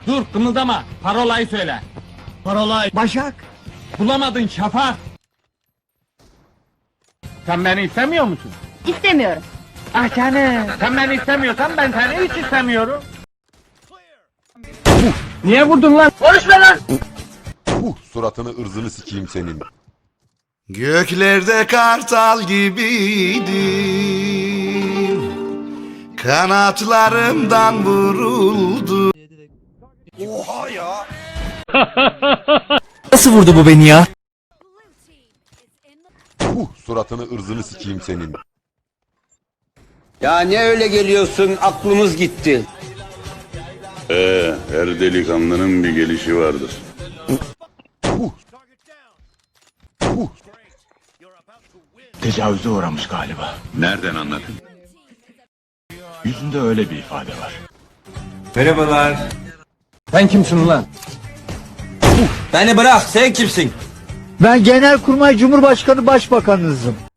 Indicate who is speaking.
Speaker 1: Dur kımıldama. Parolayı söyle.
Speaker 2: Parolay.
Speaker 3: Başak.
Speaker 1: Bulamadın Şafak. Sen beni istemiyor musun?
Speaker 4: İstemiyorum.
Speaker 1: Ah canım. Sen beni istemiyorsan ben seni hiç istemiyorum. Niye vurdun lan? Konuşma lan.
Speaker 5: Suratını ırzını sikeyim senin.
Speaker 6: Göklerde kartal gibiydim, kanatlarımdan vuruldu.
Speaker 3: Nasıl vurdu bu beni ya?
Speaker 5: Suratını ırzını sikeyim senin.
Speaker 7: Ya ne öyle geliyorsun, aklımız gitti.
Speaker 8: Her delikanlının bir gelişi vardır.
Speaker 9: Tecavüze uğramış galiba.
Speaker 8: Nereden anladın?
Speaker 9: Yüzünde öyle bir ifade var.
Speaker 7: Merhabalar.
Speaker 1: Sen kimsin lan?
Speaker 7: Beni bırak, sen kimsin?
Speaker 3: Ben Genelkurmay Cumhurbaşkanı Başbakanınızım.